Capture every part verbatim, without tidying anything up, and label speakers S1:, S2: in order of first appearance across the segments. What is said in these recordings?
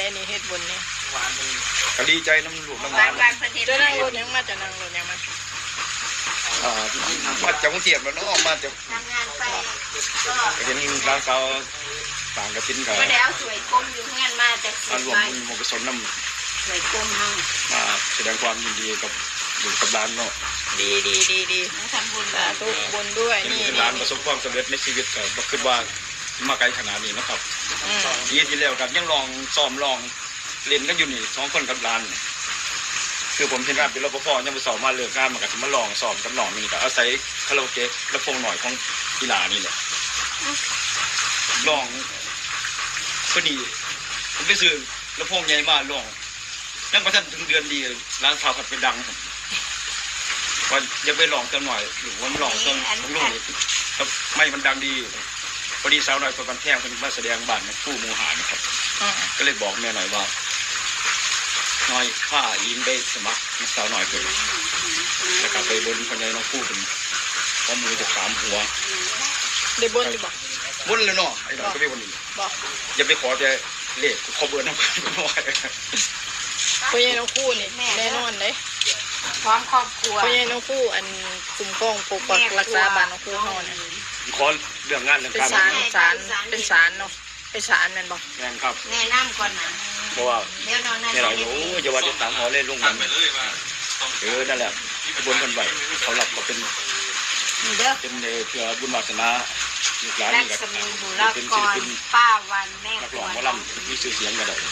S1: ได้นี่เฮ็ดบุญนี่
S2: ก็ดีใจน้ำหลวงน้ำ
S3: บ้า
S2: มัน
S3: บ้านประเทศ
S1: จะนั่งรถยังมาจะนั่งรถยังมา
S2: อ่ามาจากกรุงเทพแล้วเนาะมาจาก
S3: ทำงานไปก็
S2: เห็นร้านเขาต่างกระสินกับ
S3: ก็แล้วสวยก้มอยู่งานมาจากส
S2: อันรวม
S3: วย
S2: บุญมกุศลน้
S3: สวยก้มเฮา
S2: ำมาแสดงความยินดีกับอยู่กับร้านเนาะ
S1: ดีดีดีดี
S3: ทำบุญ
S1: สาธุบุญด้วย
S2: เป็น
S1: นี่
S2: ร้านประสบความสำเร็จในชีวิตก็บ่คิดว่ามาไกลขนาดนี้นะครับ
S1: อืม
S2: ปีที่แล้วกับยังลองซ้อมลองเล่นกันอยู่นี่สองคนกับร้านคือผมเห็นว่าเป็นรปภยังไปสอบมาเลือกงานมากับมาลองสอบกับน้องนี่ก็อาศัยคาราโอเกะและพงหน่อยของกีฬานี่แหละลองพอดีผมไปซื้อแล้วพงใหญ่มาลองนั่งประทันถึงเดือนดีร้านข้าวผัดเป็นดังผมว่าจะไปลองกันหน่อยหรือว่าลองต้นของลูกนี่ครับไม่มันดังดีพอดีสาวหน่อยคนบันแท่งคนมาแสดงบ้านผู้มูหานะครับ
S1: อืม
S2: ก็เลยบอกแม่หน่อยว่าน้อยข้ายิงได้สมัครสาวหน่อยเลยแล้วก็ไปบนคนใดน้องผู้เป็นข้อมือจะสามหัว
S1: ได้บุญดีบ่
S2: บนเลยเนาะไอ้หน่อยก็ไปบนนี้
S1: บ่
S2: อย่าไปขอแต่เลขขอเบอร์น้ำกันน้อย
S1: พ่อใหญ่น้องคู่นี่แน่นอนเลย
S3: พร้อมครอบครัว
S1: พ่อใหญ่น้องคู่อันคุ้มครองปกปักรักษาบ้านน้องคู่เฮาเนี่ย
S2: ขอเรื่องงานเรื่อง
S1: เป็น
S2: การ
S1: ศาลศาลเป็นศาลเนาะเป็นศาลแม่นบ่
S2: งานครับ
S3: แนะนำก่อนนะ
S2: เพราะว่า
S3: เดี๋ยวนอนนั่น
S2: แม่หน่อยโอ้ยจะว่าจะสามหัวเล่นลงมันเออนั่นแหละบนคนไหวเขารับก็เป็น
S3: เด้อ
S2: เป็นเพื่อบุญวาสนาลูกหลาน
S3: รั
S2: นี่
S3: ก
S2: ก็
S3: ษมีบุราก
S2: เป็น
S3: ร
S2: ศิลปิน
S3: ป้าวันแม่
S2: นัก
S3: ค
S2: ร้
S3: ว
S2: อง
S3: ร
S2: หมอลำมีชื่อเสียงกันเลย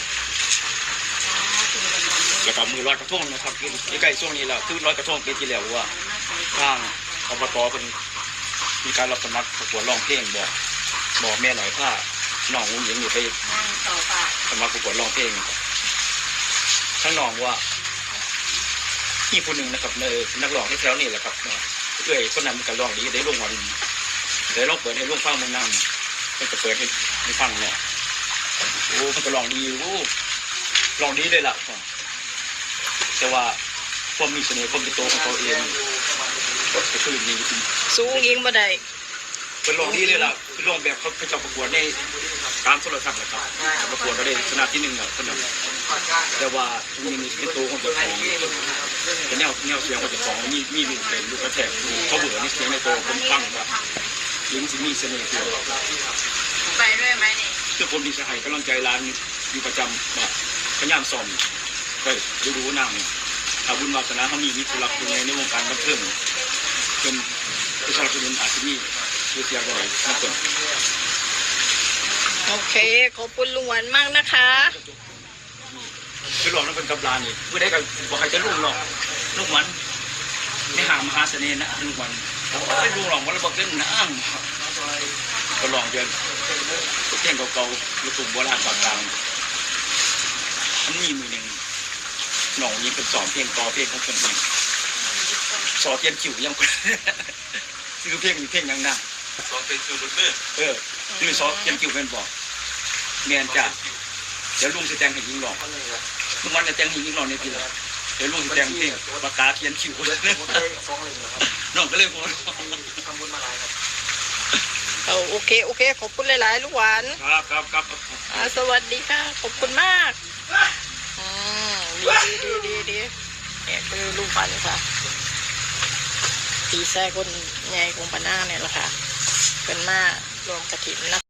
S2: แล้วก็มือลอยกระทงนะครับใกล้ช่วงนี้แหละคือลอยกระทงปีที่แล้วว่าทางอบตเป็นมีการรับสมัครประกวดร้องเพลงบอกบอกแม่หน่อยถ้าน้องอุ้งยิงอยู่ไป
S3: นั่งต่อไป
S2: สมัครประกวดร้องเพลงข้างน้องว่าพี่คนหนึ่งนะครับในนักร้องที่แถวนี่แหละครับเอ้ยคนนั้นมันก็ร้องดีได้ลงวันได้ลองเปิดให้ลูกฟังมึงนั่งมันก็เปิดให้ให้ฟังเนี่ยโอ้มันก็ร้องดีโอ้ร้องดีเลยล่ะแต่ว่าความมีเสน่ห์ความเป็นตัวของเขาเองก็คือนี่จริง
S1: สูงยิงบ่ได้
S2: เป็นร้องดีเลยล่ะคือร้องแบบเขาไปจับประกวดในการโทรทัศน์แหละครับประกวดก็ได้ชนะที่หนึ่งอ่ะคนนั้นแต่ว่ามีมีเป็นตัวของเจ้าของแต่แนวแนวเสียงของเจ้าของมีมีลูกเป็นลูกกระแทกเขาเบื่อนี่เสียงในตัวผมฟังว่ายิงสิมีเสน่ห์ตัว
S3: ไปด้วยไหมนี่
S2: คือผมดีสหายกำลังใจร้านอยู่ประจำว่าพยายามสอนไปดูดูนั่งถ้าบุญวาสนาเขามีมีผู้รักผู้ใหญ่ในวงการบันเทิงเป็นผู้สนับสนุนอาชีพนี้คือเสียงอะไรนักเตะ
S1: โอเคขอบคุณลุงหวานมากนะคะ
S2: คือหลวงนั้นเป็นกับลานี่เพื่อได้กับบอกใครจะลุงหรอกลุงหวันไม่ห่างมหาเสน่ห์นะลุงหวันไม่ลุงหรอกวันละบอกเล่นน้ำก็ลองเดินเพลงเก่าๆลูกทุ่งโบราณต่างๆมันมีมือหนึ่งหน่องยิงเป็นสอนเพลงต่อเพลงของคนเองสอนเทียนขิวยังคนคือเพลงมีเพลงยังนั่ง
S4: สองเป็นสูตรเลือด
S2: เออคือซอเทียนคิวเป็นบอกเมียนจ้าเดี๋ยวลุงจะแต่งให้ยิงหลอกลุงวันจะแต่งให้ยิงหลอกในปีละเดี๋ยวลุงจะแต่งเพลงปากกาเทียนคิวน้องก็เลยพูด
S1: เอาโอเคโอเคขอบคุณหลายๆลูกหวาน
S2: ครับครับครับ
S1: อ่าสวัสดีค่ะขอบคุณมากอืมดีดีดีดีเนี่ยคือลูกหวานค่ะตีแซ่คนใหญ่ของปานาเนี่ยแหละค่ะเป็นมารวมกระถิ่นนะ